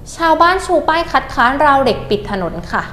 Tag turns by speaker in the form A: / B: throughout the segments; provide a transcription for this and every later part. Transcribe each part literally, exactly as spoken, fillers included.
A: ชาวบ้านชูป้ายคัดค้านราวเหล็กปิดถนนค่ะ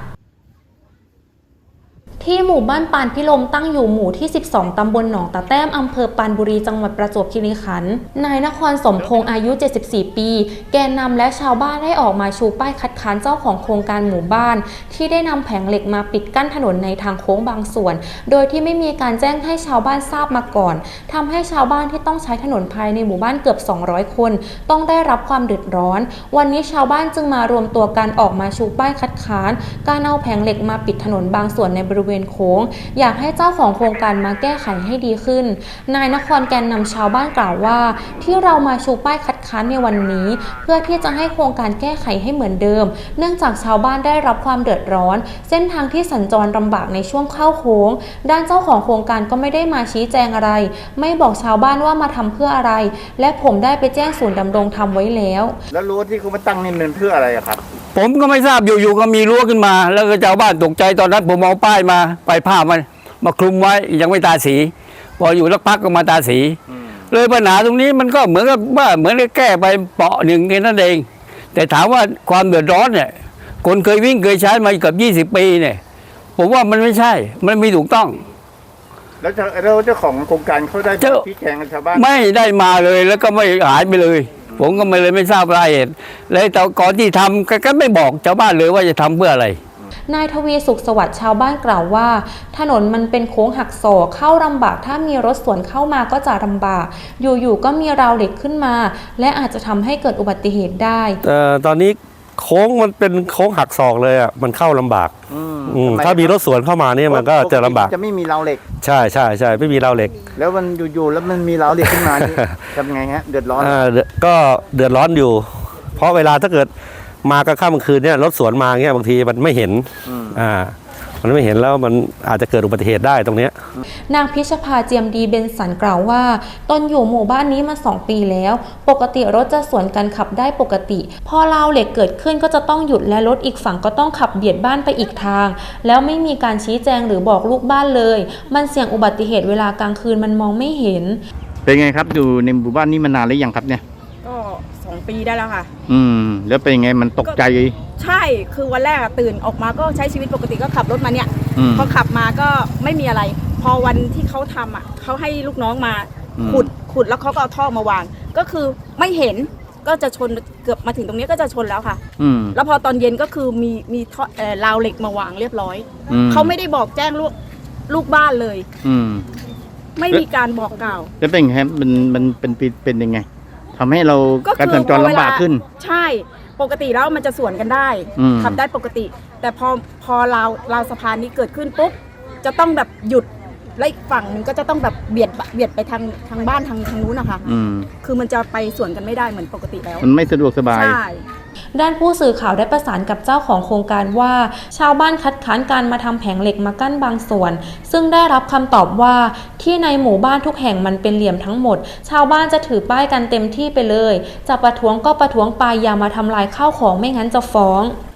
A: ที่หมู่บ้านปานพิลมตั้งอยู่หมู่ที่สิบสองตำบลหนองตะแต้มอำเภอปานบุรีจังหวัดประจวบคีรีขันธ์นายนครสมพงษ์อายุเจ็ดสิบสี่ปีแกนนำและชาวบ้านได้ออกมาชูป้ายคัดค้านเจ้าของโครงการหมู่บ้านที่ได้นำแผงเหล็กมาปิดกั้นถนนในทางโค้งบางส่วนโดยที่ไม่มีการแจ้งให้ชาวบ้านทราบมาก่อนทำให้ชาวบ้านที่ต้องใช้ถนนภายในหมู่บ้านเกือบสองร้อยคนต้องได้รับความเดือดร้อนวันนี้ชาวบ้านจึงมารวมตัวกันออกมาชูป้ายคัดค้านการเอาแผงเหล็กมาปิดถนนบางส่วนในบริเวณโค้งอยากให้เจ้าของโครงการมาแก้ไขให้ดีขึ้นนายนครแกนนำชาวบ้านกล่าวว่าที่เรามาชูป้ายคัดค้านในวันนี้เพื่อที่จะให้โครงการแก้ไขให้เหมือนเดิมเนื่องจากชาวบ้านได้รับความเดือดร้อนเส้นทางที่สัญจรลำบากในช่วงเข้าโค้งด้านเจ้าของโครงการก็ไม่ได้มาชี้แจงอะไรไม่บอกชาวบ้านว่ามาทำเพื่ออะไรและผมได้ไปแจ้งศูนย์ดำรงธรรมไว้แล้ว
B: แล้วรั้วที่เขามาตั้งนี่มันเพื่ออะไรครับ
C: ผมก็ไม่ทราบอยู่ๆก็มีรั้วขึ้นมาแล้วก็ชาวบ้านตกใจตอนนั้นผมเอาป้ายมาไปผ้ามันมาคลุมไว้ยังไม่ตาสีพออยู่สักพักก็มาตาสีเลยปัญหาตรงนี้มันก็เหมือนกับว่าเหมือนกับแก้ไปเปาะหนึ่งแค่นั้นเองแต่ถามว่าความเดือดร้อนเนี่ยคนเคยวิ่งเคยใช้มาเกือบยี่สิบปีเนี่ยผมว่ามันไม่ใช่มันไม่ถูกต้อง
B: แล้วเจ้าของโครงการเขาได้ชี้แจงกับชาวบ้าน
C: ไม่ได้มาเลยแล้วก็ไม่หายไปเลยผมก็ไม่เลยไม่ทราบรายละเอียดเลยแต่ก่อนที่ทำก็ไม่บอกชาวบ้านเลยว่าจะทำเพื่ออะไร
A: นายทวีสุขสวัสดิ์ชาวบ้านกล่าวว่าถนนมันเป็นโค้งหักศอกเข้าลำบากถ้ามีรถสวนเข้ามาก็จะลำบากอยู่ๆก็มีราวเหล็กขึ้นมาและอาจจะทำให้เกิดอุบัติเหตุได้
D: แต่ตอนนี้โค้งมันเป็นโค้งหักศอกเลยอ่ะมันเข้าลำบากถ้ามีรถสวนเข้ามาเนี่ยมันก็จะลำบาก
B: จะไม่มีราวเหล็ก
D: ใช่ใช่ใช่ไม่มีราวเหล็ก
B: แล้วมันอยู่ๆแล้วมันมีราวเหล็กขึ้นมาทำไงฮะเดือดร้อน
D: ก็เดือดร้อนอยู่เพราะเวลาถ้าเกิดมากลางค่ำกลางคืนเนี่ยรถสวนมาเงี้ยบางทีมันไม่เห็นอ่ามันไม่เห็นแล้วมันอาจจะเกิดอุบัติเหตุได้ตรงนี้
A: นางพิชภาเจียมดีเบนสันกล่าวว่าตนอยู่หมู่บ้านนี้มาสองปีแล้วปกติรถจะสวนกันขับได้ปกติพอราวเหล็กเกิดขึ้นก็จะต้องหยุดและรถอีกฝั่งก็ต้องขับเบียดบ้านไปอีกทางแล้วไม่มีการชี้แจงหรือบอกลูกบ้านเลยมันเสี่ยงอุบัติเหตุเวลากลางคืนมันมองไม่เห็น
B: เป็นไงครับอยู่ในหมู่บ้านนี้มานานหรือยังครับเนี่ย
E: ก็สองปีได้แล้วค่ะ
B: อืมแล้วเป็นยังไงมันตกใจ
E: ใช่คือวันแรกตื่นออกมาก็ใช้ชีวิตปกติก็ขับรถมาเนี่ยพอขับมาก็ไม่มีอะไรพอวันที่เขาทำอ่ะเขาให้ลูกน้องมาขุดขุดแล้วเขาก็เอาท่อมาวางก็คือไม่เห็นก็จะชนเกือบมาถึงตรงนี้ก็จะชนแล้วค่ะแล้วพอตอนเย็นก็คือมีมีท่อราวเหล็กมาวางเรียบร้อยเขาไม่ได้บอกแจ้งลูกลูกบ้านเลยไม่มีการบอกกล่าว
B: แล้วเป็นไงมันมันเป็นเป็นยังไงทำให้เราการสัญจรลำบากขึ้น
E: ใช่ปกติแล้วมันจะสวนกันได้ขับได้ปกติแต่พอพอราวราวสะพานนี้เกิดขึ้นปุ๊บจะต้องแบบหยุดและอีกฝั่งหนึ่งก็จะต้องแบบเบียดเบียดไปทางทางบ้านทางทางนู้นนะคะคือมันจะไปสวนกันไม่ได้เหมือนปกติแล้ว
B: มันไม่สะดวกสบาย
E: ใช่
A: ด้านผู้สื่อข่าวได้ประสานกับเจ้าของโครงการว่าชาวบ้านคัดค้านการมาทำแผงเหล็กมากั้นบางส่วนซึ่งได้รับคำตอบว่าที่ในหมู่บ้านทุกแห่งมันเป็นเหลี่ยมทั้งหมดชาวบ้านจะถือป้ายกันเต็มที่ไปเลยจะประท้วงก็ประท้วงไปอย่ามาทำลายข้าวของไม่งั้นจะฟ้อง